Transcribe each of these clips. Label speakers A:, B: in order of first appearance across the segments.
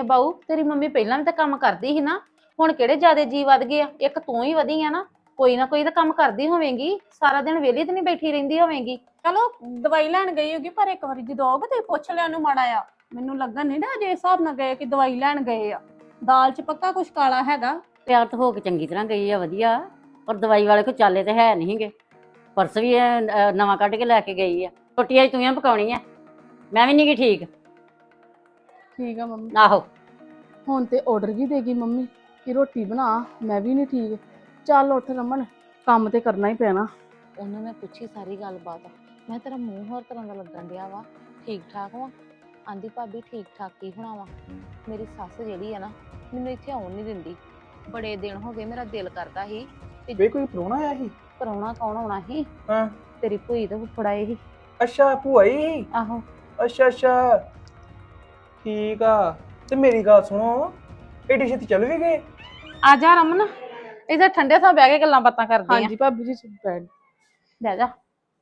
A: ਬਾਊ ਤੇਰੀ ਮੰਮੀ ਪਹਿਲਾਂ ਵੀ ਤਾਂ ਕੰਮ ਕਰਦੀ ਸੀ ਨਾ। ਹੁਣ ਕਿਹੜੇ ਜ਼ਿਆਦੇ ਜੀ ਵੱਧ ਗਏ ਆ? ਇੱਕ ਤੂੰ ਹੀ ਵਧੀ ਆ ਨਾ। ਕੋਈ ਨਾ ਕੋਈ ਤਾਂ ਕੰਮ ਕਰਦੀ ਹੋਵੇਂਗੀ, ਸਾਰਾ ਦਿਨ ਵਿਹਲੀ ਤੇ ਨਹੀਂ ਬੈਠੀ ਰਹਿੰਦੀ ਹੋਵੇਂਗੀ।
B: ਚਲੋ ਦਵਾਈ ਲੈਣ ਗਈ ਹੋਗੀ, ਪਰ ਇੱਕ ਵਾਰੀ ਜਦੋਂ ਆਓਗੇ ਤੇ ਪੁੱਛ ਲਿਆ ਉਹਨੂੰ ਮਾੜਾ ਆ। ਮੈਨੂੰ ਲੱਗਣ ਨਹੀਂ ਨਾ ਜੇ ਹਿਸਾਬ ਨਾਲ ਗਏ ਕਿ ਦਵਾਈ ਲੈਣ ਗਏ ਆ। ਦਾਲ 'ਚ ਪੱਕਾ ਕੁਛ ਕਾਲਾ ਹੈਗਾ।
C: ਤਿਆਰ ਤਾਂ ਹੋ ਕੇ ਚੰਗੀ ਤਰ੍ਹਾਂ ਗਈ ਆ, ਵਧੀਆ। ਪਰ ਦਵਾਈ ਵਾਲੇ ਕੋਈ ਚਾਲੇ ਤੇ ਹੈ ਨਹੀਂਗੇ। ਪਰਸ ਵੀ ਨਵਾਂ ਕੱਢ ਕੇ ਲੈ ਕੇ ਗਈ ਆ। ਰੋਟੀਆਂ ਤੂੰ ਹੀ ਪਕਾਉਣੀ ਆ, ਮੈਂ ਵੀ ਨਹੀਂ ਗੀ ਠੀਕ।
B: ਠੀਕ ਆ ਮੰਮੀ।
C: ਆਹੋ
B: ਹੁਣ ਤੇ ਆਰਡਰ ਵੀ ਦੇਗੀ ਮੰਮੀ ਕਿ ਰੋਟੀ ਬਣਾ, ਮੈਂ ਵੀ ਨਹੀਂ ਠੀਕ। ਚੱਲ ਉੱਠ ਰਮਨ, ਕੰਮ ਤੇ ਕਰਨਾ ਹੀ ਪੈਣਾ।
A: ਉਹਨੂੰ ਮੈਂ ਪੁੱਛੀ ਸਾਰੀ ਗੱਲਬਾਤ। ਮੈਂ ਤੇਰਾ ਮੂੰਹ ਹੋਰ ਤਰ੍ਹਾਂ ਦਾ ਲੱਗਣ ਡਿਆ ਵਾ, ਠੀਕ ਠਾਕ ਵਾ? ਆਂਦੀ ਭਾਬੀ ਠੀਕ ਠਾਕ ਕੀ ਹੋਣਾ ਵਾ, ਮੇਰੀ ਸੱਸ ਜਿਹੜੀ ਆ ਨਾ ਮੈਨੂੰ ਇੱਥੇ ਆਉਣ ਨਹੀਂ ਦਿੰਦੀ। ਬੜੇ ਦਿਨ ਹੋ ਗਏ ਮੇਰਾ ਦਿਲ ਕਰਦਾ ਸੀ
D: ਵੇ ਕੋਈ ਪ੍ਰਾਹੁਣਾ ਆਇਆ ਸੀ?
A: ਪ੍ਰਾਹੁਣਾ ਕੌਣ ਆਉਣਾ ਸੀ?
D: ਹਾਂ
A: ਤੇਰੀ ਭੂਈ ਤੇ ਫੁੱਫੜ ਆਏ ਸੀ।
D: ਅੱਛਾ ਭੂਆ ਹੀ।
A: ਆਹੋ।
D: ਅੱਛਾ ਅੱਛਾ ਠੀਕ ਆ। ਤੇ ਮੇਰੀ ਗੱਲ ਸੁਣੋ, ਏਡੀ ਛੇਤੀ ਚੱਲ ਵੀ ਗਏ?
A: ਆ ਜਾ ਰਮਨ, ਇੱਥੇ ਠੰਡੇ ਥਾਂ ਬਹਿ ਕੇ ਗੱਲਾਂ ਬਾਤਾਂ ਕਰਦੇ ਆਂ।
B: ਹਾਂਜੀ ਭਾਬੀ ਜੀ ਬੈਠ।
A: ਬਹਿ ਜਾ।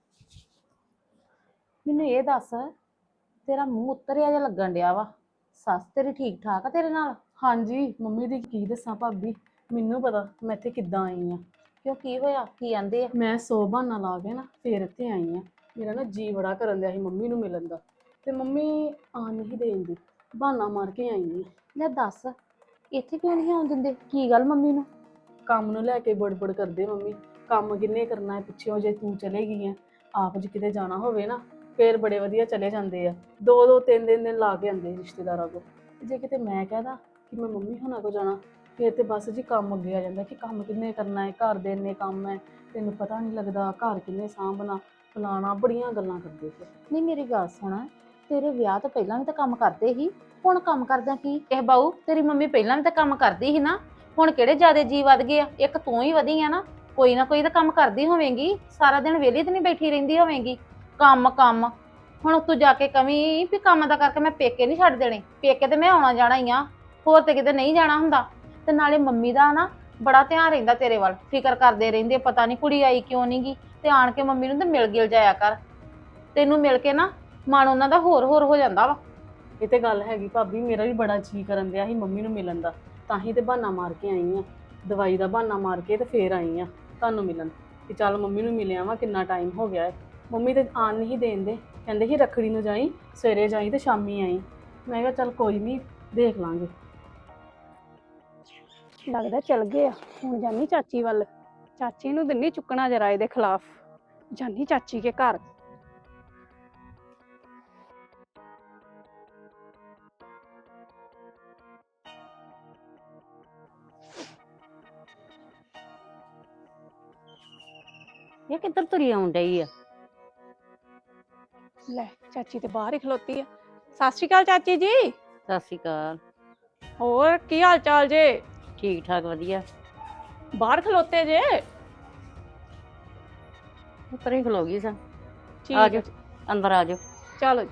A: ਮੈਨੂੰ ਇਹ ਦੱਸ, ਤੇਰਾ ਮੂੰਹ ਉਤਰਿਆ ਜਿਹਾ ਲੱਗਣ ਡਿਆ ਵਾ, ਸੱਸ ਤੇਰੀ ਠੀਕ ਠਾਕ ਆ ਤੇਰੇ ਨਾਲ?
B: ਹਾਂਜੀ ਮੰਮੀ ਦੀ ਕੀ ਦੱਸਾਂ ਭਾਬੀ, ਮੈਨੂੰ ਪਤਾ ਮੈਂ ਇੱਥੇ ਕਿੱਦਾਂ ਆਈ ਆ।
A: ਕਿਉਂ ਕੀ ਹੋਇਆ? ਕੀ ਆਂਦੇ ਆ?
B: ਮੈਂ 100 ਬਹਾਨਾ ਲਾ ਕੇ ਨਾ ਫੇਰ ਇੱਥੇ ਆਈ ਆ। ਮੇਰਾ ਨਾ ਜੀ ਬੜਾ ਕਰਨ ਦਿਆ ਸੀ ਮੰਮੀ ਨੂੰ ਮਿਲਣ ਦਾ, ਤੇ ਮੰਮੀ ਆ ਨਹੀਂ ਦੇਂਦੀ, ਬਹਾਨਾ ਮਾਰ ਕੇ ਆਈ ਆ।
A: ਲੈ ਦੱਸ, ਇੱਥੇ ਕਿਉਂ ਨਹੀਂ ਆਉਣ ਦਿੰਦੇ? ਕੀ ਗੱਲ ਮੰਮੀ ਨੂੰ?
B: ਕੰਮ ਨੂੰ ਲੈ ਕੇ ਬੜਬੜ ਕਰਦੇ ਮੰਮੀ। ਕੰਮ ਕਿੰਨੇ ਕਰਨਾ ਹੈ ਪਿੱਛੋਂ, ਜੇ ਤੂੰ ਚਲੇ ਗਈ ਆ। ਆਪ ਜੇ ਕਿਤੇ ਜਾਣਾ ਹੋਵੇ ਨਾ ਫੇਰ ਬੜੇ ਵਧੀਆ ਚਲੇ ਜਾਂਦੇ ਆ, 2-2 3 ਦਿਨ ਲਾ ਕੇ ਆਉਂਦੇ ਰਿਸ਼ਤੇਦਾਰਾਂ ਕੋਲ। ਜੇ ਕਿਤੇ ਮੈਂ ਕਹਦਾ ਕਿ ਮੈਂ ਮੰਮੀ ਹੋਣਾ ਕੋ ਜਾਣਾ, ਫੇਰ ਤੇ ਬਸ ਜੀ ਕੰਮ ਅੱਗੇ ਆ ਜਾਂਦਾ ਕਿ ਕੰਮ ਕਿੰਨੇ ਕਰਨਾ ਹੈ, ਘਰ ਦੇ ਇੰਨੇ ਕੰਮ ਹੈ, ਤੈਨੂੰ ਪਤਾ ਨਹੀਂ ਲੱਗਦਾ, ਘਰ ਕਿੰਨੇ ਸਾਂਭਣਾ, ਫਲਾਣਾ, ਬੜੀਆਂ ਗੱਲਾਂ ਕਰਦੇ ਫਿਰ।
A: ਨਹੀਂ ਮੇਰੀ ਗੱਲ ਸੁਣ, ਤੇਰੇ ਵਿਆਹ ਤੋਂ ਪਹਿਲਾਂ ਵੀ ਤਾਂ ਕੰਮ ਕਰਦੇ ਸੀ, ਹੁਣ ਕੰਮ ਕਰਦਾ ਕੀ? ਇਹ ਬਾਊ ਤੇਰੀ ਮੰਮੀ ਪਹਿਲਾਂ ਵੀ ਤਾਂ ਕੰਮ ਕਰਦੀ ਸੀ ਨਾ। ਹੁਣ ਕਿਹੜੇ ਜ਼ਿਆਦੇ ਜੀ ਵੱਧ ਗਏ ਆ? ਇੱਕ ਤੂੰ ਹੀ ਵਧੀ ਆ ਨਾ। ਕੋਈ ਨਾ ਕੋਈ ਤਾਂ ਕੰਮ ਕਰਦੀ ਹੋਵੇਂਗੀ, ਸਾਰਾ ਦਿਨ ਵਿਹਲੀ ਤੇ ਨਹੀਂ ਬੈਠੀ ਰਹਿੰਦੀ ਹੋਵੇਂਗੀ। ਕੰਮ ਕੰਮ ਹੁਣ ਤੂੰ ਜਾ ਕੇ ਕਵੀਂ ਵੀ ਕੰਮ ਦਾ ਕਰਕੇ ਮੈਂ ਪੇਕੇ ਨਹੀਂ ਛੱਡ ਦੇਣੇ। ਪੇਕੇ ਤੇ ਮੈਂ ਆਉਣਾ ਜਾਣਾ ਹੀ ਆ, ਹੋਰ ਤੇ ਕਿਤੇ ਨਹੀਂ ਜਾਣਾ ਹੁੰਦਾ। ਤੇ ਨਾਲੇ ਮੰਮੀ ਦਾ ਨਾ ਬੜਾ ਧਿਆਨ ਰਹਿੰਦਾ ਤੇਰੇ ਵੱਲ, ਫਿਕਰ ਕਰਦੇ ਰਹਿੰਦੇ, ਪਤਾ ਨਹੀਂ ਕੁੜੀ ਆਈ ਕਿਉਂ ਨਹੀਂ ਗੀ। ਤੇ ਆਣ ਕੇ ਮੰਮੀ ਨੂੰ ਤੇ ਮਿਲ ਗਿਲ ਜਾਇਆ ਕਰ, ਤੈਨੂੰ ਮਿਲ ਕੇ ਨਾ ਮਨ ਉਹਨਾਂ ਦਾ ਹੋਰ ਹੋ ਜਾਂਦਾ ਵਾ।
B: ਇਹ ਤੇ ਗੱਲ ਹੈਗੀ ਭਾਬੀ, ਮੇਰਾ ਵੀ ਬੜਾ ਜੀ ਕਰਨ ਦਿਆ ਸੀ ਮੰਮੀ ਨੂੰ ਮਿਲਣ ਦਾ, ਤਾਂ ਹੀ ਤੇ ਬਹਾਨਾ ਮਾਰ ਕੇ ਆਈ ਆ। ਦਵਾਈ ਦਾ ਬਹਾਨਾ ਮਾਰ ਕੇ ਤੇ ਫੇਰ ਆਈ ਆ ਤੁਹਾਨੂੰ ਮਿਲਣ, ਕਿ ਚੱਲ ਮੰਮੀ ਨੂੰ ਮਿਲਿਆ ਵਾ, ਕਿੰਨਾ ਟਾਈਮ ਹੋ ਗਿਆ ਹੈ। ਮੰਮੀ ਤੇ ਆਣ ਨਹੀਂ ਦੇਂਦੇ, ਕਹਿੰਦੇ ਸੀ ਰੱਖੜੀ ਨੂੰ ਜਾਈ, ਸਵੇਰੇ ਜਾਈ ਤੇ ਸ਼ਾਮੀ ਆਈ। ਮੈਂ ਕਿਹਾ ਚੱਲ ਕੋਈ ਨਹੀਂ, ਦੇਖ ਲਾਂਗੇ। ਲੱਗਦਾ ਚਲ ਗਏ ਆ। ਹੁਣ ਜਾਨੀ ਚਾਚੀ ਵੱਲ, ਚਾਚੀ ਨੂੰ ਦਿੰਨੀ ਚੁੱਕਣਾ ਜਰਾ ਇਹਦੇ ਖਿਲਾਫ, ਜਾਨੀ ਚਾਚੀ ਕੇ ਘਰ।
C: ਇਹ ਕਿੱਧਰ ਤੁਰੀ ਆਉਣ ਡਈ ਆ?
B: ਲੈ ਚਾਚੀ ਤੇ ਬਾਹਰ ਹੀ ਖਲੋਤੀ ਆ। ਸਤਿ ਸ਼੍ਰੀ ਅਕਾਲ ਚਾਚੀ ਜੀ।
C: ਸਤਿ ਸ਼੍ਰੀ ਅਕਾਲ।
B: ਹੋਰ ਕੀ ਹਾਲ ਚਾਲ ਜੇ?
C: ਠੀਕ ਠਾਕ ਵਧੀਆ।
B: ਬਾਹਰ ਖਲੋਤੇ ਜੇ?
C: ਉੱਪਰ ਹੀ ਖਲੋ ਗਈ ਸਾਂ।
B: ਠੀਕ
C: ਆ
B: ਹੈ,
C: ਜਾਓ ਅੰਦਰ, ਆ ਜਾਓ।
B: ਚਲੋ ਜੀ।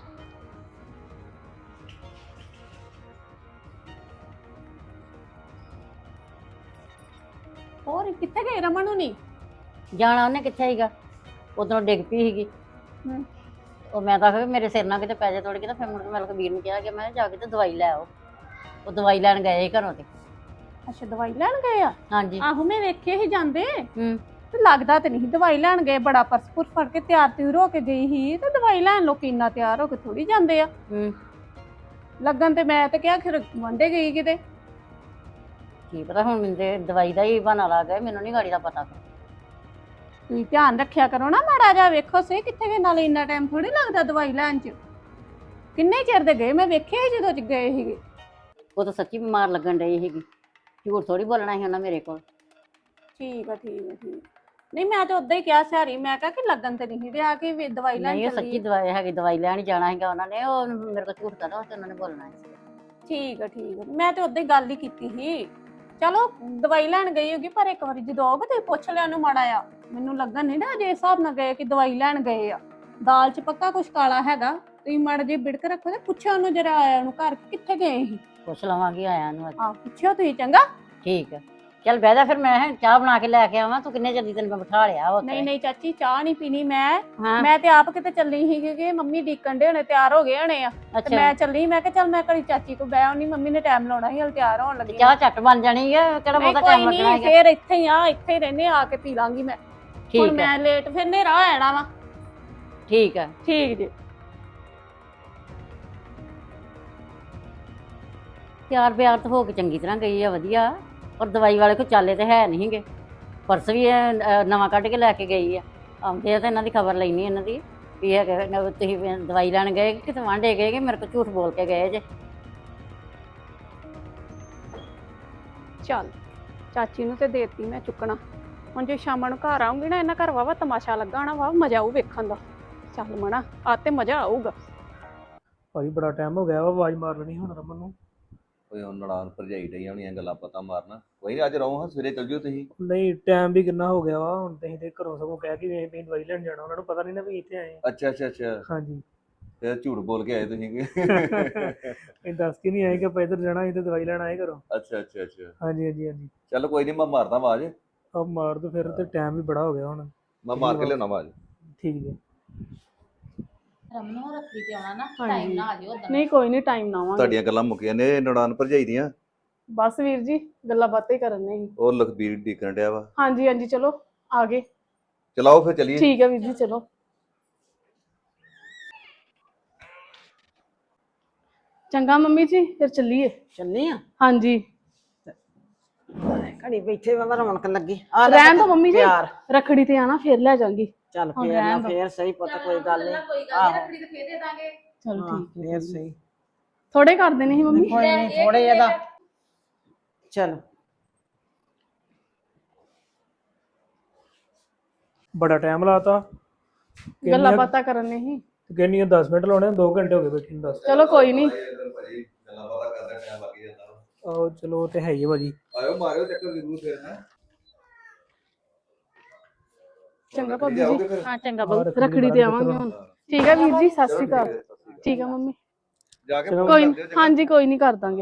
B: ਹੋਰ ਕਿੱਥੇ ਗਏ ਰਮਨ ਹੁਣੀ?
C: ਜਾਣਾ ਉਹਨੇ ਕਿੱਥੇ ਸੀਗਾ, ਉਧਰੋਂ ਡਿੱਗ ਪਈ ਸੀਗੀ। ਉਹ ਮੈਂ ਤਾਂ ਕਿਹਾ ਵੀ ਮੇਰੇ ਸਿਰ ਨਾਲ ਕਿਤੇ ਪੈ ਜਾ ਥੋੜੀ, ਤਾਂ ਫਿਰ ਮੁੜ ਕੇ ਮੈਂ ਕਬੀਰ ਨੂੰ ਕਿਹਾ ਕਿ ਮੈਂ ਜਾ ਕੇ ਤੇ ਦਵਾਈ ਲੈ ਆਓ। ਉਹ ਦਵਾਈ ਲੈਣ ਗਏ ਸੀ ਘਰੋਂ ਤੇ।
B: ਅੱਛਾ ਦਵਾਈ ਲੈਣ ਗਏ ਆ?
C: ਹਾਂਜੀ।
B: ਆਹੋ ਮੈਂ ਵੇਖੇ ਹੀ ਜਾਂਦੇ,
C: ਹੂੰ।
B: ਤੇ ਲੱਗਦਾ ਤੇ ਨਹੀਂ ਦਵਾਈ ਲੈਣ ਗਏ। ਬੜਾ ਪਰਸਪੁਰ ਫੜ ਕੇ ਤਿਆਰ ਤਿਉਰ ਹੋ ਕੇ ਗਈ ਸੀ, ਤੇ ਦਵਾਈ ਲੈਣ ਲੋਕੀ ਇੰਨਾ ਤਿਆਰ ਹੋ ਕੇ ਥੋੜੀ ਜਾਂਦੇ ਆ।
C: ਹੂੰ।
B: ਲੱਗਣ ਤੇ ਮੈਂ ਤੇ ਕਿਹਾ ਖਿਰ ਵਾਂਢੇ ਗਈ ਕਿਤੇ।
C: ਕੀ ਪਤਾ, ਹੁਣ ਮੈਨੂੰ ਤੇ ਦਵਾਈ ਦਾ ਹੀ ਬਹਾਨਾ ਲੱਗ ਗਿਆ, ਮੈਨੂੰ ਨਹੀਂ ਗਾੜੀ ਦਾ ਪਤਾ।
B: ਤੁਸੀਂ ਧਿਆਨ ਰੱਖਿਆ ਕਰੋ ਨਾ ਮਾੜਾ ਜਿਹਾ, ਵੇਖੋ ਸੇ ਕਿੱਥੇ ਗਏ, ਨਾਲੇ ਇੰਨਾ ਟਾਈਮ ਥੋੜੀ ਲੱਗਦਾ ਦਵਾਈ ਲੈਣ ਚ। ਕਿੰਨੇ ਚਿਰ ਦੇ ਗਏ, ਮੈਂ ਵੇਖਿਆ ਸੀ ਜਦੋਂ ਗਏ ਸੀਗੇ।
C: ਉਹ ਤਾਂ ਸੱਚੀ ਬਿਮਾਰ ਲੱਗਣ ਡਈ ਸੀਗੀ, ਝੂਠ ਥੋੜੀ ਬੋਲਣਾ ਸੀ ਉਹਨਾਂ ਮੇਰੇ ਕੋਲ।
B: ਠੀਕ ਆ ਠੀਕ ਆ ਠੀਕ। ਨਹੀਂ ਮੈਂ ਤਾਂ ਉਦਾਂ ਹੀ ਕਿਹਾ ਸਿਆਰੀ, ਮੈਂ ਕਿਹਾ ਕਿ ਲੱਗਣ ਤੇ ਨਹੀਂ ਰਿਹਾ ਕਿ ਦਵਾਈ ਲੈਣ
C: ਨਹੀਂ, ਉਹ
B: ਚੱਲੀ।
C: ਸੱਚੀ ਦਵਾਈ ਹੈਗੀ, ਦਵਾਈ ਲੈਣ ਜਾਣਾ ਸੀਗਾ ਉਹਨਾਂ ਨੇ, ਉਹ ਮੇਰੇ ਕੋਲ ਝੂਠ ਕਰਦਾ ਤੇ ਉਹਨਾਂ ਨੇ ਬੋਲਣਾ ਸੀ।
B: ਠੀਕ ਆ ਠੀਕ ਆ, ਮੈਂ ਤੇ ਉਦਾਂ ਹੀ ਗੱਲ ਹੀ ਕੀਤੀ ਸੀ। ਚਲੋ ਦਵਾਈ ਲੈਣ ਗਈ ਹੋਗੀ, ਪਰ ਇੱਕ ਵਾਰੀ ਜਦੋਂ ਆਓਗੇ ਤੇ ਪੁੱਛ ਲਿਆ ਉਹਨੂੰ ਮਾੜਾ ਆ। ਮੈਨੂੰ ਲੱਗਣ ਨਹੀਂ ਨਾ ਜੇ ਹਿਸਾਬ ਨਾਲ ਗਏ ਕਿ ਦਵਾਈ ਲੈਣ ਗਏ ਆ। ਦਾਲ 'ਚ ਪੱਕਾ ਕੁਛ ਕਾਲਾ ਹੈਗਾ, ਤੁਸੀਂ ਮਾੜਾ ਜੇ ਬਿੜਕ ਰੱਖੋ ਤੇ ਪੁੱਛਿਆ ਉਹਨੂੰ ਜਰਾ, ਆਇਆ ਉਹਨੂੰ ਘਰ ਕਿੱਥੇ ਗਏ ਸੀ।
C: ਪੁੱਛ ਲਵਾਂਗੀ ਆਇਆ ਨੂੰ ਅੱਜ।
B: ਆਹ ਪੁੱਛਿਓ ਤੁਸੀਂ ਚੰਗਾ।
C: ਠੀਕ ਆ। ਚੱਲ ਬਹਿ ਜਾ ਫਿਰ, ਮੈਂ ਕਿਹਾ ਚਾਹ ਬਣਾ ਕੇ ਲੈ ਕੇ ਆਵਾਂ। ਤੂੰ ਕਿੰਨੇ ਜਲਦੀ ਤੈਨੂੰ ਮੈਂ ਬਿਠਾ ਲਿਆ ਵਾ
E: ਨਹੀਂ ਨਹੀਂ ਚਾਚੀ ਚਾਹ ਨਹੀਂ ਪੀਣੀ ਮੈਂ
C: ਹਾਂ
E: ਮੈਂ ਤੇ ਆਪ ਕਿਤੇ ਚੱਲੀ ਸੀਗੀ ਕਿ ਮੰਮੀ ਡੀਕਣ ਦੇ ਹੋਣੇ ਤਿਆਰ ਹੋ ਗਏ ਹੋਣੇ ਆ ਤੇ
C: ਅੱਛਾ
E: ਮੈਂ ਚੱਲੀ ਮੈਂ ਕਿਹਾ ਚੱਲ ਮੈਂ ਘੜੀ ਚਾਚੀ ਕੋ ਬਹਿ ਆਉਣੀ ਮੰਮੀ ਨੇ ਟਾਈਮ ਲਾਉਣਾ ਸੀ ਹਲ ਤਿਆਰ ਹੋਣ ਲੱਗੀ
C: ਚਾਹ ਝੱਟ ਬਣ ਜਾਣੀ ਆ, ਕਿਹੜਾ
E: ਨਹੀਂ
C: ਬਹੁਤਾ
E: ਕੋਈ
C: ਟਾਈਮ ਲੱਗਣਾ
E: ਨਹੀਂ
C: ਹੈਗਾ।
E: ਫੇਰ ਇੱਥੇ ਹੀ ਆ ਇੱਥੇ ਹੀ ਰਹਿੰਦੇ ਆ ਕੇ ਪੀ ਲਾਂਗੀ ਮੈਂ ਹੁਣ
C: ਠੀਕ ਹੈ
E: ਮੈਂ ਲੇਟ ਫਿਰ ਹਨੇਰਾ ਹੋ ਜਾਣਾ ਵਾ
C: ਠੀਕ ਹੈ।
E: ਠੀਕ ਜੀ
C: ਤਿਆਰ ਬਿਆਰ ਤਾਂ ਹੋ ਕੇ ਚੰਗੀ ਤਰ੍ਹਾਂ ਗਈ ਆ, ਵਧੀਆ। ਪਰ ਦਵਾਈ ਵਾਲੇ ਕੋ ਚਾਲੇ ਤੇ ਹੈ ਨਹੀਂਗੇ। ਪਰਸ ਵੀ ਇਹ ਨਵਾਂ ਕੱਢ ਕੇ ਲੈ ਕੇ ਗਈ ਆ। ਆਉਂਦੇ ਆ ਤਾਂ ਇਹਨਾਂ ਦੀ ਖਬਰ ਲੈਣੀ ਇਹਨਾਂ ਦੀ ਵੀ ਇਹ ਤੁਸੀਂ ਦਵਾਈ ਲੈਣ ਗਏ ਕਿ ਕਿਤੇ ਵਾਂਢੇ ਗਏ ਕਿ ਮੇਰੇ ਕੋਲ ਝੂਠ ਬੋਲ ਕੇ ਗਏ ਜੇ।
E: ਚੱਲ ਚਾਚੀ ਨੂੰ ਤੇ ਦੇਤੀ ਮੈਂ ਚੁੱਕਣਾ ਹੁਣ ਜੇ ਸ਼ਾਮਾਂ ਨੂੰ ਘਰ ਆਉਂਗੀ ਨਾ ਇਹਨਾਂ ਘਰ ਵਾਵਾ ਤਮਾਸ਼ਾ ਲੱਗਾ ਹੋਣਾ ਵਾ ਮਜ਼ਾ ਆਊ ਵੇਖਣ ਦਾ ਚੱਲ ਮਣਾ ਆ ਤੇ ਮਜ਼ਾ ਆਊਗਾ
D: ਭਾਈ ਬੜਾ ਟਾਈਮ ਹੋ ਗਿਆ ਵਾ, ਆਵਾਜ਼ ਮਾਰ ਲੈਣੀ ਹੁਣ ਰਮਨ ਨੂੰ।
F: ਓਏ ਹੁਣ ਨਨਾਣ ਭਰਜਾਈ ਡਈਆਂ ਹੋਣੀਆਂ ਗੱਲਾਂ ਪਤਾ ਮਾਰਨਾ। ਕੋਈ ਨਹੀਂ ਅੱਜ ਰਹੋ, ਹਾਂ ਸਵੇਰੇ ਚੱਲ ਜਿਓ ਤੁਸੀਂ।
D: ਨਹੀਂ ਟਾਈਮ ਵੀ ਕਿੰਨਾ ਹੋ ਗਿਆ ਵਾ, ਹੁਣ ਤੁਸੀਂ ਤੇ ਘਰੋਂ ਸਗੋਂ ਕਹਿ ਕੇ ਵੇਖ ਵੀ ਦਵਾਈ ਲੈਣ ਜਾਣਾ, ਉਹਨਾਂ ਨੂੰ ਪਤਾ ਨਹੀਂ ਨਾ ਵੀ ਇੱਥੇ ਆਏ ਆ।
F: ਅੱਛਾ ਅੱਛਾ ਅੱਛਾ,
D: ਹਾਂਜੀ
F: ਫਿਰ ਝੂਠ ਬੋਲ ਕੇ ਆਏ ਤੁਸੀਂ ਕਿ?
D: ਇਹ ਦੱਸ ਕੇ ਨਹੀਂ ਆਏ ਕਿ ਆਪਾਂ ਇੱਧਰ ਜਾਣਾ, ਇੱਥੇ ਦਵਾਈ ਲੈਣ ਆਏ ਘਰੋਂ।
F: ਅੱਛਾ ਅੱਛਾ ਅੱਛਾ,
D: ਹਾਂਜੀ ਹਾਂਜੀ ਹਾਂਜੀ।
F: ਚੱਲ ਕੋਈ ਨਹੀਂ, ਮੈਂ ਮਾਰਦਾ ਆਵਾਜ਼।
D: ਆਪ ਮਾਰ ਦੋ ਫਿਰ, ਤੇ ਟਾਈਮ ਵੀ ਬੜਾ ਹੋ ਗਿਆ ਹੁਣ।
F: ਮੈਂ ਮਾਰ ਕੇ ਲਿਆਉਣਾ ਆਵਾਜ਼।
D: ਠੀਕ ਜੀ।
A: ਰਮਨ ਨੂੰ ਰੱਖੀ ਤੇ ਆਉਣਾ ਨਾ
E: ਹਾਂਜੀ।
A: ਟਾਈਮ ਨਾ ਆ ਜਿਓ ਉਦੋਂ
E: ਨਹੀਂ ਕੋਈ ਨਹੀਂ ਟਾਈਮ ਨਾ ਆਵਾਂਗੇ
F: ਤੁਹਾਡੀਆਂ ਗੱਲਾਂ ਮੁੱਕੀਆਂ ਨੇ ਨਨਾਣ ਭਰਜਾਈ ਦੀਆਂ।
E: ਬਸ ਵੀਰ ਜੀ ਗੱਲਾਂ ਬਾਤਾਂ ਹੀ ਕਰਨ ਨਹੀਂ
F: ਉਹ ਲਖਬੀਰ ਡੀਕਣ ਡਿਆ ਵਾ।
E: ਹਾਂਜੀ ਹਾਂਜੀ ਚਲੋ ਆ ਗਏ
F: ਚਲਾਓ ਫਿਰ ਚੱਲੀਏ।
E: ਠੀਕ ਹੈ ਵੀਰ ਜੀ ਚਲੋ ਚੰਗਾ ਮੰਮੀ ਜੀ ਫਿਰ ਚੱਲੀਏ
G: ਚੱਲੀ ਆ
E: ਹਾਂਜੀ
G: ਘੜੀ ਬੈਠੇ ਵਾ ਰੌਣਕ ਲੱਗੀ ਆ ਲੈ
E: ਰਹਿਣ ਦੋ ਮੰਮੀ ਜੀ
G: ਪਿਆਰ
E: ਰੱਖੜੀ ਤੇ ਆਣਾ ਫਿਰ ਲੈ ਜਾਾਂਗੀ
G: ਚੱਲ
E: ਹੁਣ
G: ਫੇਰ ਨਾ
E: ਰਹਿਣ ਦਿਓ।
G: ਫੇਰ ਸਹੀ ਪੁੱਤ ਕੋਈ ਗੱਲ ਨਹੀਂ
A: ਕੋਈ
G: ਆਹੋ।
A: ਰੱਖੜੀ ਤੇ ਫੇਰ ਦੇ ਦਾਂਗੇ
E: ਚਲ
G: ਹਾਂ,
E: ਠੀਕ ਹੈ
G: ਫੇਰ ਸਹੀ
E: ਥੋੜੇ ਕਰ ਦੇਣੇ ਸੀ ਮੰਮੀ
G: ਕੋਈ ਨਹੀਂ ਥੋੜੇ ਇਹਦਾ ਚਲ
D: ਬੜਾ ਟਾਈਮ ਲਾਤਾ।
E: ਗੱਲਾਂ ਬਾਤਾਂ ਕਰਨ ਨਹੀਂ ਸੀ
D: ਕਿੰਨੀਆਂ 10 ਮਿੰਟ ਲਾਉਣੇ, 2 ਘੰਟੇ ਹੋ ਗਏ ਬੈਠੇ ਨੂੰ। ਦੱਸ
E: ਚਲੋ ਕੋਈ ਨਹੀਂ
F: ਗੱਲਾਂ ਬਾਤਾਂ ਕਰਦਾ ਟਾਈਮ ਲੱਗ ਜਾਂਦਾ।
D: ਆਹੋ ਚਲੋ ਉਹ ਤੇ ਹੈ ਹੀ ਆ ਭਾਜੀ।
F: ਆਇਓ ਮਾਰਿਓ ਚੱਕਰ ਜ਼ਰੂਰ ਫਿਰ ਹੈ।
E: ਚੰਗਾ ਭਾਬੀ ਜੀ
A: ਹਾਂ ਚੰਗਾ
D: ਹਾਂ,
E: ਰੱਖੜੀ ਤੇ ਆਵਾਂਗੇ ਹੁਣ ਠੀਕ ਹੈ ਵੀਰ ਜੀ ਸਤਿ ਸ਼੍ਰੀ ਅਕਾਲ ਠੀਕ ਹੈ ਮੰਮੀ
F: ਜਾ ਕੇ
E: ਕੋਈ ਨੀ, ਹਾਂਜੀ ਕੋਈ ਨਹੀਂ ਕਰ ਦਾਂਗੇ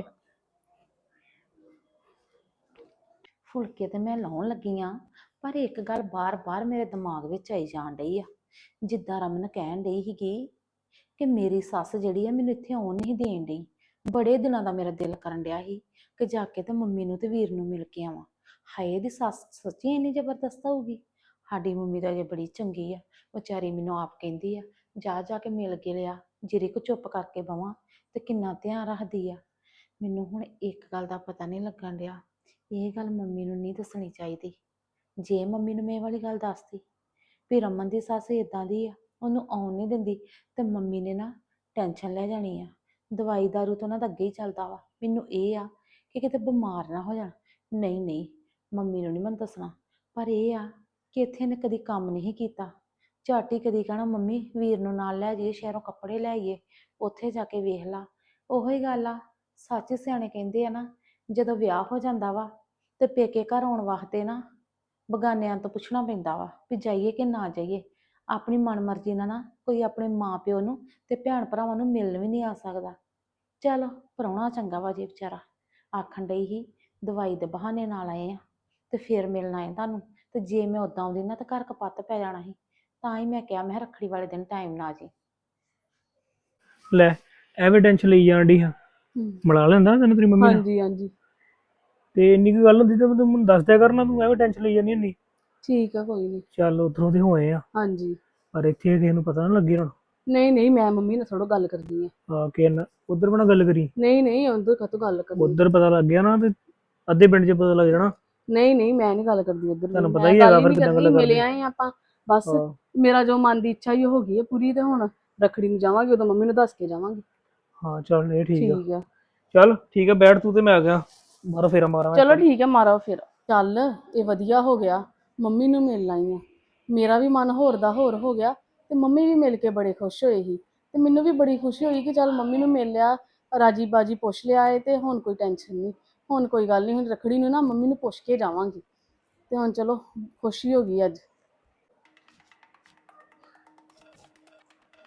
A: ਫੁਲਕੇ ਤੇ ਮੈਂ ਲਾਉਣ ਲੱਗੀ ਆ ਪਰ ਇੱਕ ਗੱਲ ਬਾਰ-ਬਾਰ ਮੇਰੇ ਦਿਮਾਗ ਵਿੱਚ ਆਈ ਜਾਣ ਡਈ ਆ। ਜਿੱਦਾਂ ਰਮਨ ਕਹਿਣ ਡਈ ਸੀਗੀ ਕਿ ਮੇਰੀ ਸੱਸ ਜਿਹੜੀ ਆ ਮੈਨੂੰ ਇੱਥੇ ਆਉਣ ਨਹੀਂ ਦੇਣ ਡਈ। ਬੜੇ ਦਿਨਾਂ ਦਾ ਮੇਰਾ ਦਿਲ ਕਰਨ ਡਿਆ ਸੀ ਕਿ ਜਾ ਕੇ ਤੇ ਮੰਮੀ ਨੂੰ ਤੇ ਵੀਰ ਨੂੰ ਮਿਲ ਕੇ ਆਵਾਂ। ਹਾਏ ਇਹਦੀ ਸੱਸ ਸੱਚੀ ਇੰਨੀ ਜ਼ਬਰਦਸਤ ਹੋਊਗੀ। ਸਾਡੀ ਮੰਮੀ ਤਾਂ ਜੇ ਬੜੀ ਚੰਗੀ ਆ, ਵਿਚਾਰੀ ਮੈਨੂੰ ਆਪ ਕਹਿੰਦੀ ਆ ਜਾ ਜਾ ਕੇ ਮਿਲ ਕੇ ਲਿਆ, ਜਿਹੜੇ ਕੋ ਚੁੱਪ ਕਰਕੇ ਬਵਾਂ ਤੇ ਕਿੰਨਾ ਧਿਆਨ ਰੱਖਦੀ ਆ। ਮੈਨੂੰ ਹੁਣ ਇੱਕ ਗੱਲ ਦਾ ਪਤਾ ਨਹੀਂ ਲੱਗਣ ਡਿਆ, ਇਹ ਗੱਲ ਮੰਮੀ ਨੂੰ ਨਹੀਂ ਦੱਸਣੀ ਚਾਹੀਦੀ। ਜੇ ਮੰਮੀ ਨੂੰ ਮੈਂ ਇਹ ਵਾਲੀ ਗੱਲ ਦੱਸਦੀ ਵੀ ਰਮਨ ਦੀ ਸੱਸ ਇਦਾਂ ਦੀ ਆ, ਉਹਨੂੰ ਆਉਣ ਨਹੀਂ ਦਿੰਦੀ, ਤੇ ਮੰਮੀ ਨੇ ਨਾ ਟੈਨਸ਼ਨ ਲੈ ਜਾਣੀ ਆ। ਦਵਾਈ ਦਾਰੂ ਤੋਂ ਉਹਨਾਂ ਦਾ ਅੱਗੇ ਹੀ ਚੱਲਦਾ ਵਾ। ਮੈਨੂੰ ਇਹ ਆ ਕਿ ਕਿਤੇ ਬਿਮਾਰ ਨਾ ਹੋ ਜਾਣ। ਨਹੀਂ ਨਹੀਂ ਮੰਮੀ ਨੂੰ ਨਹੀਂ ਮੈਂ ਦੱਸਣਾ, ਪਰ ਇਹ ਆ ਕਿ ਇੱਥੇ ਇਹਨੇ ਕਦੀ ਕੰਮ ਨਹੀਂ ਕੀਤਾ। ਝੱਟ ਹੀ ਕਦੀ ਕਹਿਣਾ ਮੰਮੀ ਵੀਰ ਨੂੰ ਨਾਲ ਲੈ ਜਾਈਏ, ਸ਼ਹਿਰੋਂ ਕੱਪੜੇ ਲੈ ਆਈਏ, ਉੱਥੇ ਜਾ ਕੇ ਵੇਖ ਲਾ। ਉਹੋ ਹੀ ਗੱਲ ਆ, ਸੱਚ ਸਿਆਣੇ ਕਹਿੰਦੇ ਆ ਨਾ, ਜਦੋਂ ਵਿਆਹ ਹੋ ਜਾਂਦਾ ਵਾ ਤੇ ਪੇਕੇ ਘਰ ਆਉਣ ਵਾਸਤੇ ਨਾ ਬਗਾਨਿਆਂ ਤੋਂ ਪੁੱਛਣਾ ਪੈਂਦਾ ਵਾ ਵੀ ਜਾਈਏ ਕਿ ਨਾ ਜਾਈਏ। ਆਪਣੀ ਮਨਮਰਜ਼ੀ ਨਾਲ ਨਾ ਕੋਈ ਆਪਣੇ ਮਾਂ ਪਿਓ ਨੂੰ ਤੇ ਭੈਣ ਭਰਾਵਾਂ ਨੂੰ ਮਿਲਣ ਵੀ ਨਹੀਂ ਆ ਸਕਦਾ। ਚਲ ਪ੍ਰਾਹੁਣਾ ਚੰਗਾ ਵਾ ਜੇ ਵਿਚਾਰਾ ਆਖਣ ਡਈ ਸੀ ਦਵਾਈ ਦੇ ਬਹਾਨੇ ਨਾਲ ਆਏ ਆ ਤੇ ਫਿਰ ਮਿਲਣ ਆਏ ਤੁਹਾਨੂੰ, ਤੇ ਜੇ ਮੈਂ ਉਦਾਂ ਆਉਂਦੀ ਨਾ ਤਾਂ ਘਰ ਕਪੱਤ ਪੈ ਜਾਣਾ ਸੀ। ਤਾਂ ਹੀ ਮੈਂ ਕਿਹਾ ਮੈਂ ਰੱਖੜੀ ਵਾਲੇ ਦਿਨ ਟਾਈਮ ਨਾ ਜੀ।
D: ਲੈ ਐਵੇਂ ਟੈਨਸ਼ਨ ਲਈ ਜਾਣ ਡਈ ਹਾਂ। ਮਿਲਾ ਲੈਂਦਾ ਤੈਨੂੰ ਤੇਰੀ ਮੰਮੀ ਨਾਲ।
E: ਹਾਂਜੀ ਹਾਂਜੀ
D: ਤੇ ਇੰਨੀ ਕੁ ਗੱਲ ਹੁੰਦੀ ਤੇ ਤੂੰ ਮੈਨੂੰ ਦੱਸ ਦਿਆ ਕਰਨਾ, ਤੂੰ ਐਵੇਂ ਟੈਨਸ਼ਨ ਲਈ ਜਾਂਦੀ ਹੁੰਦੀ।
E: ਠੀਕ ਆ ਕੋਈ ਨਹੀਂ
D: ਚੱਲ ਉੱਧਰੋਂ ਦੇ ਹੋਏ ਆ,
E: ਹਾਂਜੀ
D: ਪਰ ਇੱਥੇ ਕਿਸੇ ਨੂੰ ਪਤਾ ਨਾ ਲੱਗੇ ਹੁਣ।
E: ਨਹੀਂ ਨਹੀਂ ਮੈਂ ਮੰਮੀ ਨਾਲ ਥੋੜਾ ਗੱਲ ਕਰਦੀ ਆ
D: ਆ ਕੇ ਨਾ ਉਧਰ ਬਣਾ ਗੱਲ ਕਰੀ,
E: ਨਹੀਂ ਨਹੀਂ ਉਧਰ ਕਾਹਤੋਂ ਗੱਲ ਕਰਦੀ
D: ਉਧਰ ਪਤਾ ਲੱਗ ਗਿਆ ਨਾ ਤੇ ਅੱਧੇ ਪਿੰਡ 'ਚ ਪਤਾ ਲੱਗ ਜਾਣਾ।
E: ਨਹੀਂ ਨਹੀਂ ਮੈਂ ਨਹੀਂ ਗੱਲ ਕਰਦੀ ਉਧਰ
D: ਤੁਹਾਨੂੰ ਪਤਾ ਹੀ ਹੈਗਾ ਫਿਰ ਕਿੱਦਾਂ ਗੱਲ
E: ਮਿਲੇ
D: ਕਰਦੇ।
E: ਆਏ ਆਪਾਂ ਬਸ
D: ਹਾਂ।
E: ਮੇਰਾ ਜੋ ਮਨ ਦੀ ਇੱਛਾ ਹੀ ਹੋ ਗਈ ਹੈ ਪੂਰੀ, ਤੇ ਹੁਣ ਰੱਖੜੀ ਨੂੰ ਜਾਵਾਂਗੇ ਉਦੋਂ ਮੰਮੀ ਨੂੰ ਦੱਸ ਕੇ ਜਾਵਾਂਗੇ।
D: ਹਾਂ ਚੱਲ ਇਹ ਠੀਕ ਆ।
E: ਠੀਕ ਆ
D: ਚੱਲ ਠੀਕ ਆ, ਬੈਠ ਤੂੰ ਤੇ ਮੈਂ ਆ ਗਿਆ ਬਾਹਰੋਂ ਫੇਰਾ ਮਾਰਾਂ।
E: ਚਲੋ ਠੀਕ ਹੈ ਮਾਰੋ ਫਿਰ। ਚੱਲ ਇਹ ਵਧੀਆ ਹੋ ਗਿਆ ਮੰਮੀ ਨੂੰ ਮਿਲ ਆਈ ਆ, ਮੇਰਾ ਵੀ ਮਨ ਹੋਰ ਦਾ ਹੋਰ ਹੋ ਗਿਆ ਤੇ ਮੰਮੀ ਵੀ ਮਿਲ ਕੇ ਬੜੇ ਖੁਸ਼ ਹੋਏ ਸੀ ਤੇ ਮੈਨੂੰ ਵੀ ਬੜੀ ਖੁਸ਼ੀ ਹੋਈ ਕਿ ਚੱਲ ਮੰਮੀ ਨੂੰ ਮਿਲ ਲਿਆ, ਰਾਜੀ ਬਾਜੀ ਪੁੱਛ ਲਿਆ ਏ ਤੇ ਹੁਣ ਕੋਈ ਟੈਨਸ਼ਨ ਨਹੀਂ, ਹੁਣ ਕੋਈ ਗੱਲ ਨਹੀਂ। ਹੁਣ ਰੱਖੜੀ ਨੂੰ ਨਾ ਮੰਮੀ ਨੂੰ ਪੁੱਛ ਕੇ ਜਾਵਾਂਗੀ ਤੇ ਹੁਣ ਚਲੋ ਖੁਸ਼ੀ ਹੋ ਗਈ ਅੱਜ।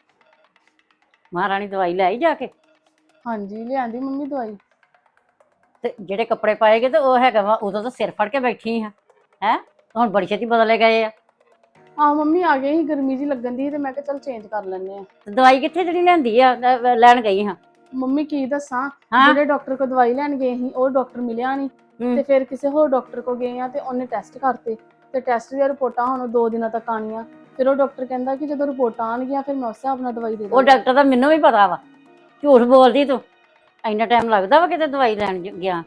C: ਮਹਾਰਾਣੀ ਦਵਾਈ ਲੈ ਆਈ ਜਾ ਕੇ?
E: ਹਾਂਜੀ ਲਿਆਂਦੀ ਮੰਮੀ ਦਵਾਈ।
C: ਤੇ ਜਿਹੜੇ ਕੱਪੜੇ ਪਾਏਗੇ ਤੇ ਉਹ ਹੈਗਾ ਵਾ ਉਦੋਂ ਤਾਂ ਸਿਰ ਫੜ ਕੇ ਬੈਠੀ ਆ ਹੈ ਹੁਣ ਬੜੀ ਛੇਤੀ ਬਦਲੇ ਗਏ ਆ।
E: ਆਹ ਮੰਮੀ ਆ ਗਏ ਸੀ, ਗਰਮੀ ਜੀ ਲੱਗਣ ਦੀ ਤੇ ਮੈਂ ਕਿਹਾ ਚੱਲ ਚੇਂਜ ਕਰ ਲੈਂਦੇ ਆ।
C: ਤੇ ਦਵਾਈ ਕਿੱਥੇ ਜਿਹੜੀ ਲੈਂਦੀ ਆ ਲੈਣ ਗਈ ਹਾਂ।
E: ਮੰਮੀ ਕੀ ਦੱਸਾਂ,
C: ਹਾਂ।
E: ਜਿਹੜੇ ਡਾਕਟਰ ਕੋਲ ਦਵਾਈ ਲੈਣ ਗਏ ਸੀ ਉਹ ਡਾਕਟਰ ਮਿਲਿਆ ਨਹੀਂ,
C: ਹੂੰ।
E: ਤੇ ਫਿਰ ਕਿਸੇ ਹੋਰ ਡਾਕਟਰ ਕੋਲ ਗਏ ਆ ਤੇ ਉਹਨੇ ਟੈਸਟ ਕਰਤੇ, ਤੇ ਟੈਸਟ ਦੀਆਂ ਰਿਪੋਰਟਾਂ ਹੁਣ 2 ਦਿਨਾਂ ਤੱਕ ਆਣੀਆਂ। ਫਿਰ ਉਹ ਡਾਕਟਰ ਕਹਿੰਦਾ ਕਿ ਜਦੋਂ ਰਿਪੋਰਟਾਂ ਆਣਗੀਆਂ ਫਿਰ ਮੈਂ ਉਸ ਹਿਸਾਬ ਨਾਲ ਦਵਾਈ ਦੇ
C: ਉਹ
E: ਦਾਂਗਾ।
C: ਡਾਕਟਰ ਦਾ ਮੈਨੂੰ ਵੀ ਪਤਾ ਵਾ, ਝੂਠ ਬੋਲਦੀ ਤੂੰ। ਇੰਨਾ ਟਾਈਮ ਲੱਗਦਾ ਵਾ ਕਿਤੇ ਦਵਾਈ ਲੈਣ ਗਿਆ।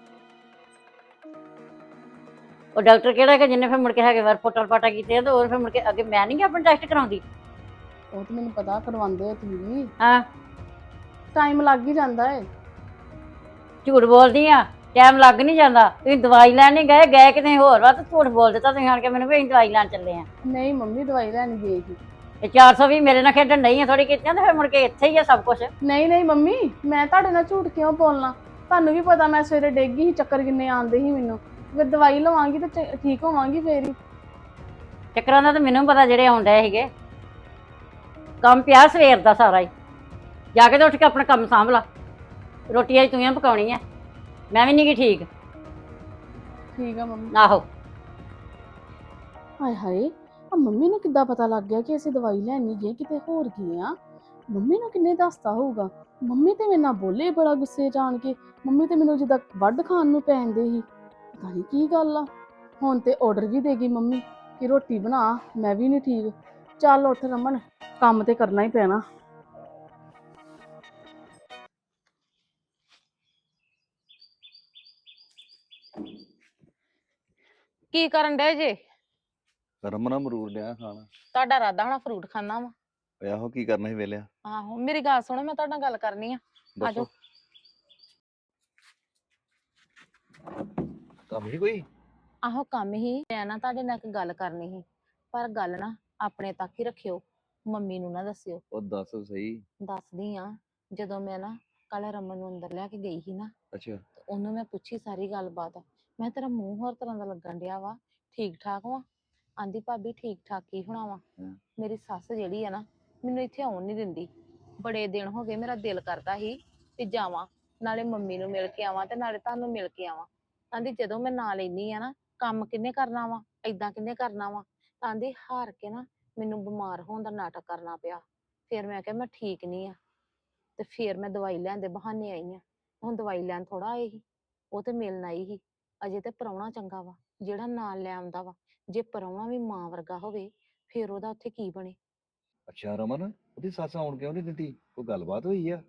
C: ਉਹ ਡਾਕਟਰ ਕਿਹੜਾ ਹੈਗਾ ਜਿਹਨੇ ਫਿਰ ਮੁੜ ਕੇ ਹੈਗੇ ਵਾਰ ਫੋਟਾ ਫਾਟਾ ਕੀਤੇ ਆ ਤੇ ਉਹ ਫਿਰ ਮੁੜ ਕੇ ਅੱਗੇ ਮੈਂ ਨਹੀਂ ਆਪਣਾ ਟੈਸਟ ਕਰਾਉਂਦੀ।
E: ਉਹ ਤੇ ਮੈਨੂੰ ਪਤਾ ਕਰਵਾਉਂਦੇ ਆ ਤੁਸੀਂ ਵੀ,
C: ਹਾਂ।
E: ਟਾਈਮ ਲੱਗ ਹੀ ਜਾਂਦਾ ਏ।
C: ਝੂਠ ਬੋਲਦੀ ਆ, ਟਾਈਮ ਲੱਗ ਨਹੀਂ ਜਾਂਦਾ। ਤੁਸੀਂ ਦਵਾਈ ਲੈਣ ਨਹੀਂ ਗਏ ਕਿਤੇ ਹੋਰ ਵਾ ਤੇ ਝੂਠ ਬੋਲ ਦਿੱਤਾ ਤੁਸੀਂ ਆਣ ਕੇ ਮੈਨੂੰ ਵੀ ਅਸੀਂ ਦਵਾਈ ਲੈਣ ਚੱਲੇ ਆ।
E: ਨਹੀਂ ਮੰਮੀ ਦਵਾਈ ਲੈਣ ਗਏ ਸੀ।
C: ਤੇ 420 ਮੇਰੇ ਨਾਲ ਖੇਡਣ ਨਹੀਂ ਆ ਥੋੜੀ ਕੀਤੀਆਂ ਤੇ ਫਿਰ ਮੁੜ ਕੇ ਇੱਥੇ ਹੀ ਆ ਸਭ ਕੁਝ।
E: ਨਹੀਂ ਨਹੀਂ ਮੰਮੀ, ਮੈਂ ਤੁਹਾਡੇ ਨਾਲ ਝੂਠ ਕਿਉਂ ਬੋਲਣਾ, ਤੁਹਾਨੂੰ ਵੀ ਪਤਾ ਮੈਂ ਸਵੇਰੇ ਡਿੱਗ ਗਈ ਸੀ, ਚੱਕਰ ਕਿੰਨੇ ਆਉਂਦੇ ਸੀ ਮੈਨੂੰ। ਫਿਰ ਦਵਾਈ ਲਵਾਂਗੀ ਤੇ ਠੀਕ ਹੋਵਾਂਗੀ ਫੇਰ ਹੀ।
C: ਚੱਕਰਾਂ ਦਾ ਤਾਂ ਮੈਨੂੰ ਪਤਾ ਜਿਹੜੇ ਆਉਣ ਡਏ ਸੀਗੇ। ਕੰਮ ਪਿਆ ਸਵੇਰ ਦਾ ਸਾਰਾ ਹੀ, ਜਾ ਕੇ ਤੇ ਉੱਠ ਕੇ ਆਪਣਾ ਕੰਮ ਸਾਂਭ ਲਾ। ਰੋਟੀ ਅੱਜ ਤੂੰ ਹੀ ਪਕਾਉਣੀ ਆ, ਮੈਂ ਵੀ ਨਹੀਂ ਗੀ ਠੀਕ।
E: ਠੀਕ ਆ ਮੰਮੀ।
C: ਆਹੋ।
E: ਹਾਏ ਹਾਏ, ਆ ਮੰਮੀ ਨੂੰ ਕਿੱਦਾਂ ਪਤਾ ਲੱਗ ਗਿਆ ਕਿ ਅਸੀਂ ਦਵਾਈ ਲੈਣ ਨਹੀਂ ਗਏ, ਕਿਤੇ ਹੋਰ ਗਏ ਆ। ਮੰਮੀ ਨੂੰ ਕਿੰਨੇ ਦੱਸਤਾ ਹੋਊਗਾ। ਮੰਮੀ ਤੇ ਮੇਰੇ ਨਾਲ ਬੋਲੇ ਬੜਾ ਗੁੱਸੇ ਚ ਆਣ ਕੇ। ਮੰਮੀ ਤੇ ਮੈਨੂੰ ਜਿੱਦਾਂ ਵੱਢ ਖਾਣ ਨੂੰ ਪੈਂਦੇ ਸੀ, ਪਤਾ ਨਹੀਂ ਕੀ ਗੱਲ ਆ। ਹੁਣ ਤੇ ਆਰਡਰ ਵੀ ਦੇ ਗਈ ਮੰਮੀ ਕਿ ਰੋਟੀ ਬਣਾ, ਮੈਂ ਵੀ ਨਹੀਂ ਠੀਕ। ਚੱਲ ਉੱਠ ਰਮਨ, ਕੰਮ ਤੇ ਕਰਨਾ ਹੀ ਪੈਣਾ।
A: ਕੀ ਕਰਨ ਡਏ ਜੇ?
F: ਰਮਨ ਅਮਰੂਦ ਲਿਆ ਖਾਣਾ।
A: ਤੁਹਾਡਾ ਇਰਾਦਾ ਹੋਣਾ ਫਰੂਟ ਖਾਣਾ ਵਾ।
F: ਓਏ ਆਹੋ ਕੀ ਕਰਨਾ ਸੀ ਵੇਲਿਆ।
A: ਆਹੋ ਮੇਰੀ ਗੱਲ ਸੁਣੋ, ਮੈਂ ਤੁਹਾਡੇ ਨਾਲ ਗੱਲ ਕਰਨੀ ਆ।
F: ਦੱਸੋ। ਕੰਮ ਹੀ ਕੋਈ?
A: ਆਹੋ ਕੰਮ ਹੀ, ਮੈਂ ਨਾ ਤੁਹਾਡੇ ਨਾਲ ਇੱਕ ਗੱਲ ਕਰਨੀ ਸੀ, ਪਰ ਗੱਲ ਨਾ ਆਪਣੇ ਤੱਕ ਹੀ ਰੱਖਿਓ, ਮੰਮੀ ਨੂੰ ਨਾ ਦੱਸਿਓ।
F: ਉਹ ਦੱਸ ਸਹੀ।
A: ਦੱਸਦੀ ਆ, ਜਦੋਂ ਮੈਂ ਨਾ ਕੱਲ ਰਮਨ ਨੂੰ ਅੰਦਰ ਲੈ ਕੇ ਗਈ ਸੀ ਨਾ,
F: ਅੱਛਾ।
A: ਤੇ ਉਹਨੂੰ ਮੈਂ ਪੁੱਛੀ ਸਾਰੀ ਗੱਲਬਾਤ। ਮੈਂ ਤੇਰਾ ਮੂੰਹ ਹੋਰ ਤਰ੍ਹਾਂ ਦਾ ਲੱਗਣ ਡਿਆ ਵਾ, ਠੀਕ ਠਾਕ ਵਾ? ਆਂਦੀ ਭਾਬੀ ਠੀਕ ਠਾਕ ਕੀ ਹੋਣਾ ਵਾ, ਮੇਰੀ ਸੱਸ ਜਿਹੜੀ ਆ ਨਾ ਮੈਨੂੰ ਇੱਥੇ ਆਉਣ ਨਹੀਂ ਦਿੰਦੀ। ਬੜੇ ਦਿਨ ਹੋ ਗਏ ਮੇਰਾ ਦਿਲ ਕਰਦਾ ਸੀ ਕਿ ਜਾਵਾਂ, ਨਾਲੇ ਮੰਮੀ ਨੂੰ ਮਿਲ ਕੇ ਆਵਾਂ ਤੇ ਨਾਲੇ ਤੁਹਾਨੂੰ ਮਿਲ ਕੇ ਆਵਾਂ। ਆਂਦੀ ਜਦੋਂ ਮੈਂ ਨਾਂ ਲੈਨੀ ਆ ਨਾ, ਕੰਮ ਕਿੰਨੇ ਕਰਨਾ ਵਾ, ਏਦਾਂ ਕਿੰਨੇ ਕਰਨਾ ਵਾ। ਆਂਦੀ ਹਾਰ ਕੇ ਨਾ ਮੈਨੂੰ ਬਿਮਾਰ ਹੋਣ ਦਾ ਨਾਟਕ ਕਰਨਾ ਪਿਆ। ਫਿਰ ਮੈਂ ਕਿਹਾ ਮੈਂ ਠੀਕ ਨਹੀਂ ਆ, ਤੇ ਫਿਰ ਮੈਂ ਦਵਾਈ ਲੈਣ ਦੇ ਬਹਾਨੇ ਆਈ ਆ। ਹੁਣ ਦਵਾਈ ਲੈਣ ਥੋੜਾ ਆਏ ਸੀ, ਉਹ ਤੇ ਮਿਲਣ ਆਈ ਸੀ। ਅਜੇ ਤੇ ਪ੍ਰਾਹੁਣਾ ਚੰਗਾ ਵਾ ਜਿਹੜਾ ਨਾਲ ਲੈ ਆਉਂਦਾ ਵਾ, ਜੇ ਪ੍ਰਾਹੁਣਾ ਵੀ ਮਾਂ ਵਰਗਾ ਹੋਵੇ ਫਿਰ ਉਹਦਾ ਉੱਥੇ ਕੀ ਬਣੇ।
F: ਅੱਛਾ ਰਮਨ, ਉਹਦੀ ਸੱਸ ਆਉਣ ਕਿਉਂ ਨਹੀਂ ਦਿੰਦੀ? ਕੋਈ ਗੱਲਬਾਤ ਹੋਈ ਆ?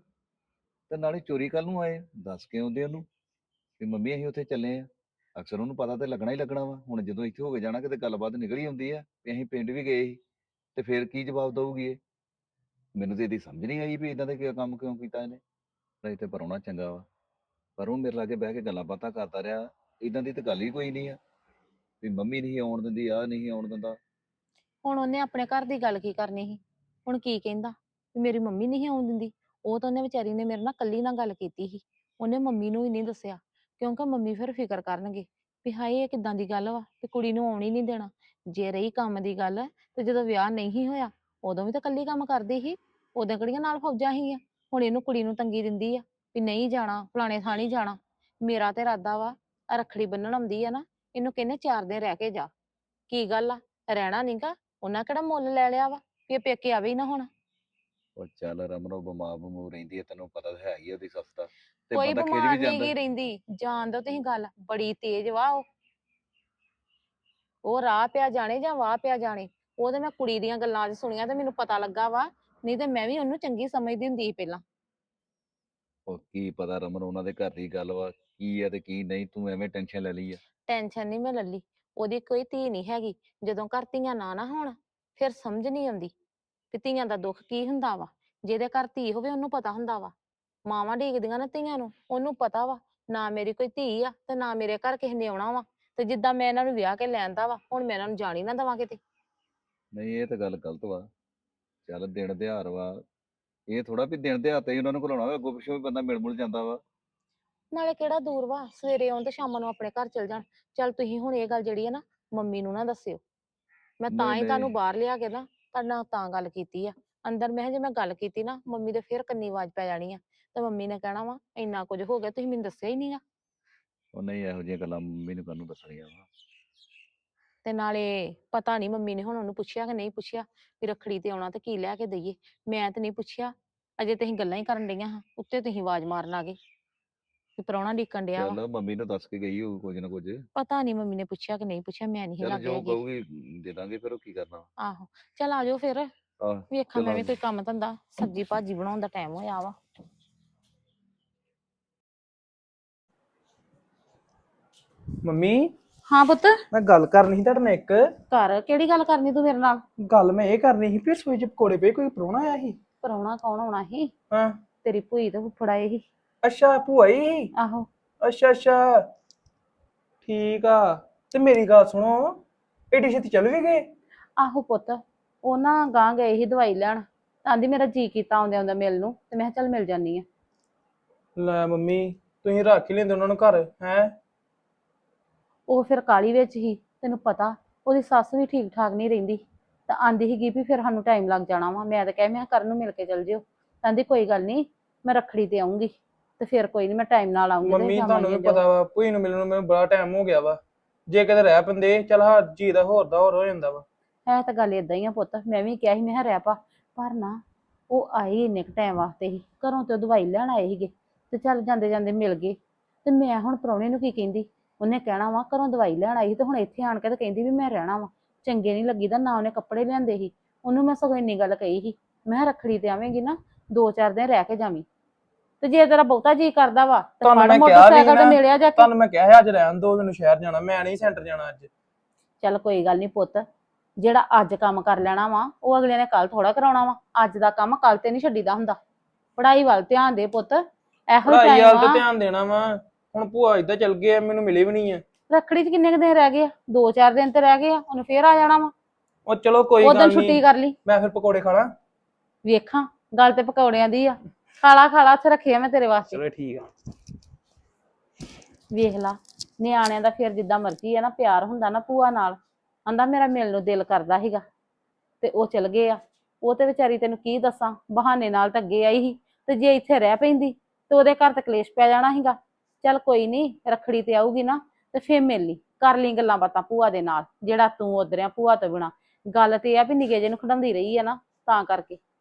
F: ਤੇ ਨਾਲੇ ਚੋਰੀ ਕੱਲ ਨੂੰ ਆਏ, ਦੱਸ ਕੇ ਆਉਂਦੇ ਉਹਨੂੰ ਵੀ ਮੰਮੀ ਅਸੀਂ ਉੱਥੇ ਚੱਲੇ ਆ। ਅਕਸਰ ਉਹਨੂੰ ਪਤਾ ਤੇ ਲੱਗਣਾ ਹੀ ਲੱਗਣਾ ਵਾ। ਹੁਣ ਜਦੋਂ ਇੱਥੇ ਹੋ ਕੇ ਜਾਣਾ ਕਿਤੇ ਗੱਲਬਾਤ ਨਿਕਲ ਹੀ ਆਉਂਦੀ ਆ ਵੀ ਅਸੀਂ ਪਿੰਡ ਵੀ ਗਏ ਸੀ, ਤੇ ਫਿਰ ਕੀ ਜਵਾਬ ਦਊਗੀ ਇਹ? ਮੈਨੂੰ ਤੇ ਇਹਦੀ ਸਮਝ ਨਹੀਂ ਆਈ ਵੀ ਇਦਾਂ ਦਾ ਕੰਮ ਕਿਉਂ ਕੀਤਾ ਇਹਨੇ। ਨਹੀਂ ਤੇ ਪ੍ਰਾਹੁਣਾ ਚੰਗਾ ਵਾ, ਪਰ ਉਹ ਮੇਰੇ ਲਾਗੇ ਬਹਿ ਕੇ ਗੱਲਾਂ ਬਾਤਾਂ ਕਰਦਾ ਰਿਹਾ। ਇਦਾਂ ਦੀ ਤਾਂ ਗੱਲ ਹੀ ਕੋਈ ਨਹੀਂ ਆ ਵੀ ਮੰਮੀ ਨਹੀਂ ਆਉਣ ਦਿੰਦੀ, ਆ ਨਹੀਂ ਆਉਣ ਦਿੰਦਾ।
A: ਹੁਣ ਉਹਨੇ ਆਪਣੇ ਘਰ ਦੀ ਗੱਲ ਕੀ ਕਰਨੀ ਸੀ? ਹੁਣ ਕੀ ਕਹਿੰਦਾ ਵੀ ਮੇਰੀ ਮੰਮੀ ਨਹੀਂ ਆਉਣ ਦਿੰਦੀ? ਉਹ ਤਾਂ ਉਹਨੇ ਵਿਚਾਰੀ ਨੇ ਮੇਰੇ ਨਾਲ ਕੱਲੀ ਨਾਲ ਗੱਲ ਕੀਤੀ ਸੀ, ਉਹਨੇ ਮੰਮੀ ਨੂੰ ਹੀ ਨਹੀਂ ਦੱਸਿਆ, ਕਿਉਂਕਿ ਮੰਮੀ ਫਿਰ ਫਿਕਰ ਕਰਨਗੇ ਵੀ ਹਾਏ ਇਹ ਕਿੱਦਾਂ ਦੀ ਗੱਲ ਵਾ ਕਿ ਕੁੜੀ ਨੂੰ ਆਉਣ ਹੀ ਨਹੀਂ ਦੇਣਾ। ਜੇ ਰਹੀ ਕੰਮ ਦੀ ਗੱਲ, ਤੇ ਜਦੋਂ ਵਿਆਹ ਨਹੀਂ ਹੋਇਆ ਉਦੋਂ ਵੀ ਤਾਂ ਕੱਲੀ ਕੰਮ ਕਰਦੀ ਸੀ, ਉਦੋਂ ਕਿਹੜੀਆਂ ਨਾਲ ਫੌਜਾਂ ਸੀਗੀਆਂ। ਹੁਣ ਇਹਨੂੰ ਕੁੜੀ ਨੂੰ ਤੰਗੀ ਦਿੰਦੀ ਆ ਵੀ ਨਹੀਂ ਜਾਣਾ, ਫਲਾਣੇ ਥਾਂ ਨਹੀਂ ਜਾਣਾ। ਮੇਰਾ ਤੇ ਇਰਾਦਾ ਵਾ, ਰੱਖੜੀ ਬੰਨਣ ਆਉਂਦੀ ਆ ਨਾ, ਇਹਨੂੰ ਕਹਿੰਦੇ 4 ਦਿਨ ਰਹਿ ਕੇ ਜਾ। ਕੀ ਗੱਲ ਆ, ਰਹਿਣਾ ਨੀਗਾ? ਉਹਨਾਂ ਕਿਹੜਾ ਮੁੱਲ ਲੈ ਲਿਆ ਵਾ ਵੀ ਇਹ ਪੇਕੇ ਆਵੇ ਹੀ ਨਾ ਹੁਣ।
F: ਉਹ ਚੱਲ ਰਮਨ, ਉਹ ਬਿਮਾਰ ਬਮੂਰ ਰਹਿੰਦੀ ਹੈ, ਤੈਨੂੰ ਪਤਾ ਤਾਂ ਹੈ ਹੀ ਆ ਉਹਦੀ ਸੱਸ ਦਾ, ਤੇ
A: ਕੋਈ
F: ਬੰਦਾ ਖਿਝ
A: ਬਿਮਾਰ
F: ਵੀ
A: ਨਹੀਂ
F: ਜਾਂਦਾ।
A: ਗੀ ਰਹਿੰਦੀ, ਜਾਣ ਦੋ ਤੁਸੀਂ ਗੱਲ, ਬੜੀ ਤੇਜ਼ ਵਾ ਉਹ ਰਾਹ ਪਿਆ ਜਾਣੇ ਜਾਂ ਵਾਹ ਪਿਆ ਜਾਣੇ। ਉਹ ਤੇ ਮੈਂ ਕੁੜੀ ਦੀਆਂ ਗੱਲਾਂ 'ਚ ਸੁਣੀਆਂ ਤੇ ਮੈਨੂੰ ਪਤਾ ਲੱਗਾ ਵਾ, ਨਹੀਂ ਤੇ ਮੈਂ ਵੀ ਉਹਨੂੰ ਚੰਗੀ ਸਮਝਦੀ ਹੁੰਦੀ ਸੀ ਪਹਿਲਾਂ।
F: ਉਹ ਕੀ ਪਤਾ ਰਮਨ, ਉਹਨਾਂ ਦੇ ਘਰ ਦੀ ਗੱਲ ਵਾ, ਕੀ ਆ ਤੇ ਕੀ ਨਹੀਂ, ਤੂੰ ਐਵੇਂ ਟੈਨਸ਼ਨ ਲੈ ਲਈ ਆ।
A: ਟੈਨਸ਼ਨ ਨਹੀਂ ਮੈਂ ਲੱਲੀ, ਉਹਦੀ ਕੋਈ ਧੀ ਨਹੀਂ ਹੈਗੀ। ਜਦੋਂ ਘਰ ਧੀਆਂ ਨਾ ਹੋਣ ਫਿਰ ਸਮਝ ਨਹੀਂ ਆਉਂਦੀ ਕਿ ਧੀਆਂ ਦਾ ਦੁੱਖ ਕੀ ਹੁੰਦਾ ਵਾ। ਜਿਹਦੇ ਘਰ ਧੀ ਹੋਵੇ ਉਹਨੂੰ ਪਤਾ ਹੁੰਦਾ ਵਾ। ਮਾਵਾਂ ਡੀਕਦੀਆਂ ਨਾ ਧੀਆਂ ਨੂੰ, ਉਹਨੂੰ ਪਤਾ ਵਾ ਨਾ ਮੇਰੀ ਕੋਈ ਧੀ ਆ ਤੇ ਨਾ ਮੇਰੇ ਘਰ ਕਿਸੇ ਨੇ ਆਉਣਾ ਵਾ, ਤੇ ਜਿੱਦਾਂ ਮੈਂ ਇਹਨਾਂ ਨੂੰ ਵਿਆਹ ਕੇ ਲੈਂਦਾ ਵਾ, ਹੁਣ ਮੈਂ ਇਹਨਾਂ ਨੂੰ ਜਾਣ ਹੀ ਨਾ ਦੇਵਾਂ ਕਿਤੇ।
F: ਨਹੀਂ ਇਹ ਤਾਂ ਗੱਲ ਗਲਤ ਵਾ। ਚੱਲ ਦਿਨ ਦਿਹਾੜ ਵਾ, ਇਹ ਥੋੜਾ ਵੀ ਦਿਨ ਦਿਹਾੜ ਤੇ ਹੀ ਉਹਨਾਂ ਨੂੰ ਘਲਾਉਣਾ ਵਾ, ਅੱਗੋਂ ਪਿੱਛੋਂ ਵੀ ਬੰਦਾ ਮਿਲ ਮੁਲ ਜਾਂਦਾ ਵਾ।
A: ਨਾਲੇ ਕਿਹੜਾ ਦੂਰ ਵਾ, ਸਵੇਰੇ ਆਉਣ ਤੇ ਸ਼ਾਮਾਂ ਨੂੰ ਆਪਣੇ ਘਰ ਚਲ ਜਾਣ। ਚੱਲ ਤੁਸੀਂ ਹੁਣ ਇਹ ਗੱਲ ਜਿਹੜੀ ਹੈ ਨਾ ਮੰਮੀ ਨੂੰ ਨਾ ਦੱਸਿਓ। ਮੈਂ ਤਾਂ
F: ਨਹੀਂ
A: ਹੀ ਤੁਹਾਨੂੰ
F: ਨਹੀਂ
A: ਬਾਹਰ ਲਿਆ ਕੇ ਨਾ ਤੁਹਾਡੇ ਨਾਲ ਤਾਂ ਗੱਲ ਕੀਤੀ ਆ। ਅੰਦਰ ਮੈਂ ਕਿਹਾ ਜੇ ਮੈਂ ਗੱਲ ਕੀਤੀ ਨਾ ਮੰਮੀ ਦੇ ਫਿਰ ਕੰਨੀ ਆਵਾਜ਼ ਪੈ ਜਾਣੀ ਆ, ਤੇ ਮੰਮੀ ਨੇ ਕਹਿਣਾ ਵਾ ਇੰਨਾ ਕੁਝ ਹੋ ਗਿਆ ਤੁਸੀਂ ਮੈਨੂੰ ਦੱਸਿਆ ਹੀ ਨਹੀਂਗਾ।
F: ਉਹ ਨਹੀਂ ਇਹੋ ਜਿਹੀਆਂ ਗੱਲਾਂ ਮੰਮੀ ਨੂੰ ਕਾਹਨੂੰ ਦੱਸਣੀਆਂ ਵਾ।
A: ਤੇ ਨਾਲੇ ਪਤਾ ਨਹੀਂ ਮੰਮੀ ਨੇ ਹੁਣ ਉਹਨੂੰ ਪੁੱਛਿਆ ਕਿ ਨਹੀਂ ਪੁੱਛਿਆ ਵੀ ਰੱਖੜੀ ਤੇ ਆਉਣਾ ਤੇ ਕੀ ਲੈ ਕੇ ਦਈਏ। ਮੈਂ ਤੇ ਨਹੀਂ ਪੁੱਛਿਆ, ਅਜੇ ਤੁਸੀਂ ਗੱਲਾਂ ਹੀ ਕਰਨ ਡਈਆਂ ਹਾਂ, ਉੱਤੇ ਤੁਸੀਂ ਆਵਾਜ਼ ਮਾਰਨ ਆ ਗਏ ਵੀ ਪ੍ਰਾਹੁਣਾ ਡੀਕਣ ਡਿਆ ਵਾ।
F: ਚੱਲ ਮੰਮੀ ਨੂੰ ਦੱਸ ਕੇ ਗਈ ਹੋਊ ਕੁਝ ਨਾ ਕੁਝ।
A: ਪਤਾ ਨਹੀਂ ਮੰਮੀ ਨੇ ਪੁੱਛਿਆ ਕਿ ਨਹੀਂ ਪੁੱਛਿਆ, ਮੈਂ ਨਹੀਂ
F: ਚੱਲ
A: ਲੱਗੇ
F: ਜੋ
A: ਹੈਗੀ।
F: ਕਹੂਗੀ ਦੇ ਦਾਂਗੇ, ਫਿਰ ਉਹ ਕੀ ਕਰਨਾ।
A: ਆਹੋ ਚੱਲ ਆ ਜਾਓ ਫਿਰ,
F: ਆਹ
A: ਵੇਖਾਂ
F: ਚੱਲ
A: ਮੈਂ
F: ਆ
A: ਵੀ ਕੋਈ ਕੰਮ ਧੰਦਾ, ਸਬਜ਼ੀ ਭਾਜੀ ਬਣਾਉਣ ਦਾ ਟਾਈਮ ਹੋਇਆ ਵਾ।
D: ਮੰਮੀ
A: ਹਾਂ ਪੁੱਤ,
D: ਮੈਂ ਗੱਲ ਕਰਨੀ ਸੀ ਤੁਹਾਡੇ ਨਾਲ ਇੱਕ।
A: ਘਰ ਕਿਹੜੀ ਗੱਲ ਕਰਨੀ ਤੂੰ ਮੇਰੇ ਨਾਲ?
D: ਗੱਲ ਮੈਂ ਇਹ ਕਰਨੀ ਸੀ ਵੀ ਰਸੋਈ 'ਚ ਪਕੌੜੇ ਪਏ, ਕੋਈ ਪ੍ਰਾਹੁਣਾ ਆਇਆ ਸੀ?
A: ਪ੍ਰਾਹੁਣਾ ਕੌਣ ਆਉਣਾ ਸੀ?
D: ਹਾਂ।
A: ਤੇਰੀ ਭੂਈ ਤੇ ਫੁੱਫੜ ਆਏ ਸੀ।
D: ਅੱਛਾ ਭੂਆ ਹੀ ਸੀ?
A: ਆਹੋ।
D: ਅੱਛਾ ਅੱਛਾ ਠੀਕ ਆ। ਤੇ ਮੇਰੀ ਗੱਲ ਸੁਣੋ, ਏਡੀ ਛੇਤੀ ਚੱਲ ਵੀ ਗਏ?
A: ਆਹੋ ਪੁੱਤ, ਉਹ ਨਾ ਗਾਂ ਗਏ ਸੀ ਦਵਾਈ ਲੈਣ, ਆਂਦੀ ਮੇਰਾ ਜੀ ਕੀਤਾ ਆਉਂਦੇ ਆਉਂਦਾ ਮਿਲ ਨੂੰ, ਤੇ ਮੈਂ ਕਿਹਾ ਚੱਲ ਮਿਲ ਜਾਨੀ ਆ।
D: ਲੈ ਮੰਮੀ ਤੁਸੀਂ ਰੱਖ ਹੀ ਲੈਂਦੇ ਉਹਨਾਂ ਨੂੰ ਘਰ ਹੈ।
A: ਉਹ ਫਿਰ ਕਾਲੀ ਵਿੱਚ ਹੀ, ਤੈਨੂੰ ਪਤਾ ਉਹਦੀ ਸੱਸ ਵੀ ਠੀਕ ਠਾਕ ਨਹੀਂ ਰਹਿੰਦੀ, ਤਾਂ ਆਂਦੀ ਸੀਗੀ ਵੀ ਫਿਰ ਸਾਨੂੰ ਟਾਈਮ ਲੱਗ ਜਾਣਾ ਵਾ। ਮੈਂ ਤਾਂ ਕਹਿ ਮੈਂ ਕਰਨ ਨੂੰ ਮਿਲ ਕੇ ਚੱਲ ਜਿਓ, ਕਹਿੰਦੀ ਕੋਈ ਗੱਲ ਨਹੀਂ ਮੈਂ ਰੱਖੜੀ ਤੇ ਆਉਂਗੀ, ਤੇ ਫਿਰ ਕੋਈ ਨਹੀਂ ਮੈਂ ਟਾਈਮ ਨਾਲ ਆਉਂਗੀ ਤੇ
D: ਮੰਮੀ ਤੁਹਾਨੂੰ ਵੀ
A: ਜਾਵਾਂਗੇ।
D: ਪਤਾ ਵਾ ਭੂਈ ਨੂੰ ਮਿਲਣ ਨੂੰ ਮੈਨੂੰ ਬੜਾ ਟਾਈਮ ਹੋ ਗਿਆ ਵਾ। ਜੇ ਕਿਤੇ ਰਹਿ ਪੈਂਦੇ ਚੱਲ ਹਾਂ ਜੀ ਦਾ ਹੋਰ ਹੋ ਜਾਂਦਾ ਵਾ।
A: ਹੈ ਤਾਂ ਗੱਲ ਏਦਾਂ ਹੀ ਆ ਪੁੱਤ, ਮੈਂ ਵੀ ਕਿਹਾ ਸੀ ਮੈਂ ਕਿਹਾ ਰਹਿ ਪਾ, ਪਰ ਨਾ ਉਹ ਆਏ ਇੰਨੇ ਕੁ ਟਾਈਮ ਵਾਸਤੇ ਹੀ, ਘਰੋਂ ਤੇ ਉਹ ਦਵਾਈ ਲੈਣ ਆਏ ਸੀਗੇ, ਤੇ ਚੱਲ ਜਾਂਦੇ ਜਾਂਦੇ ਮਿਲ ਗਏ। ਤੇ ਮੈਂ ਹੁਣ ਪ੍ਰਾਹੁਣੇ ਨੂੰ ਕੀ ਕਹਿੰਦੀ, ਉਹਨੇ ਕਹਿਣਾ ਵਾ ਘਰੋਂ ਦਵਾਈ ਲੈਣ ਆਈ ਸੀ ਤੇ ਹੁਣ ਇੱਥੇ ਆਣ ਕੇ ਤੇ ਕਹਿੰਦੀ ਵੀ ਮੈਂ ਰਹਿਣਾ ਵਾ, ਚੰਗੇ ਨਹੀਂ ਲੱਗੀਦਾ। ਨਾ ਉਹਨੇ ਕੱਪੜੇ ਲਿਆਂਦੇ ਸੀ, ਉਹਨੂੰ ਮੈਂ ਸਗੋਂ ਇੰਨੀ ਗੱਲ ਕਹੀ ਸੀ, ਮੈਂ ਕਿਹਾ ਰੱਖੜੀ ਤੇ ਆਵੇਂਗੀ ਨਾ 2-4 ਦਿਨ ਰਹਿ ਕੇ ਜਾਵੀਂ, ਤੇ ਜੇ ਤੇਰਾ ਬਹੁਤਾ ਜੀ ਕਰਦਾ ਵਾ ਤੇ
D: ਤੁਹਾਨੂੰ
A: ਫੜ
D: ਮੈਂ ਕਿਹਾ ਵੀ
A: ਮੋਟਰਸਾਈਕਲ ਤੇ
D: ਨਾ,
A: ਮਿਲਿਆ ਜਾ ਕੇ।
D: ਤੁਹਾਨੂੰ ਮੈਂ ਕਿਹਾ ਸੀ ਅੱਜ ਰਹਿਣ ਦੋ, ਮੈਨੂੰ ਸ਼ਹਿਰ ਜਾਣਾ, ਮੈਂ ਨਹੀਂ ਸੈਂਟਰ ਜਾਣਾ ਅੱਜ।
A: ਚੱਲ ਕੋਈ ਗੱਲ ਨਹੀਂ ਪੁੱਤ, ਜਿਹੜਾ ਅੱਜ ਕੰਮ ਕਰ ਲੈਣਾ ਵਾ ਉਹ ਅਗਲੇ ਨੇ ਕੱਲ ਥੋੜਾ ਕਰਾਉਣਾ ਵਾ। ਅੱਜ ਦਾ ਕੰਮ ਕੱਲ ਤੇ ਨਹੀਂ ਛੱਡੀਦਾ ਹੁੰਦਾ। ਪੜ੍ਹਾਈ ਵੱਲ ਧਿਆਨ ਦੇ ਪੁੱਤ, ਇਹੋ ਹੀ
D: ਪੜ੍ਹਾਈ
A: ਟਾਈਮ
D: ਵੱਲ ਤੇ
A: ਆ।
D: ਧਿਆਨ ਦੇਣਾ ਵਾ। ਹੁਣ ਭੂਆ ਏਦਾਂ ਚੱਲ ਗਏ ਆ, ਮੈਨੂੰ ਮਿਲੇ ਵੀ ਨਹੀਂ ਆ।
A: ਰੱਖੜੀ 'ਚ ਕਿੰਨੇ ਕੁ ਦਿਨ ਰਹਿ ਗਏ ਆ? 2-4 ਦਿਨ ਤੇ ਰਹਿ ਗਏ ਆ, ਉਹਨੇ ਫੇਰ ਆ ਜਾਣਾ ਵਾ।
D: ਉਹ ਚਲੋ ਕੋਈ
A: ਉਦੋਂ
D: ਗੱਲ
A: ਛੁੱਟੀ
D: ਨਹੀਂ,
A: ਕਰ ਲਈ।
D: ਮੈਂ ਫਿਰ ਪਕੌੜੇ ਖਾਣਾ।
A: ਵੇਖਾਂ ਗੱਲ ਤੇ ਪਕੌੜਿਆਂ ਦੀ ਆ, ਖਾਲਾ ਉੱਥੇ ਰੱਖਿਆ ਮੈਂ ਤੇਰੇ ਵਾਸਤੇ।
D: ਚਲੋ ਠੀਕ ਆ।
A: ਵੇਖ ਲਾ, ਨਿਆਣਿਆਂ ਦਾ ਫਿਰ ਜਿੱਦਾਂ ਮਰਜ਼ੀ ਆ ਨਾ, ਪਿਆਰ ਹੁੰਦਾ ਨਾ ਭੂਆ ਨਾਲ। ਆਂਦਾ ਮੇਰਾ ਮਿਲਣ ਨੂੰ ਦਿਲ ਕਰਦਾ ਸੀਗਾ, ਤੇ ਉਹ ਚਲ ਗਏ ਆ। ਉਹ ਤੇ ਵਿਚਾਰੀ ਤੈਨੂੰ ਕੀ ਦੱਸਾਂ, ਬਹਾਨੇ ਨਾਲ ਤਾਂ ਅੱਗੇ ਆਈ ਸੀ, ਤੇ ਜੇ ਇੱਥੇ ਰਹਿ ਪੈਂਦੀ ਤੇ ਉਹਦੇ ਘਰ ਤੇ ਕਲੇਸ਼ ਪੈ ਜਾਣਾ ਸੀਗਾ। ਚੱਲ ਕੋਈ ਨਹੀਂ, ਰੱਖੜੀ ਤੇ ਆਊਗੀ ਨਾ ਤੇ ਫੇਰ ਮਿਲ ਲਈ, ਕਰ ਲਈ ਗੱਲਾਂ ਬਾਤਾਂ ਭੂਆ ਦੇ ਨਾਲ, ਜਿਹੜਾ ਤੂੰ ਉਧਰਿਆ ਭੂਆ ਤੋਂ ਬਿਨਾ। ਗੱਲ ਤੇ ਇਹ ਆ ਵੀ ਨਿੱਕੇ ਜਿਹੇ ਨੂੰ ਖਿਡਾਉਂਦੀ ਰਹੀ ਆ ਨਾ, ਤਾਂ ਕਰਕੇ।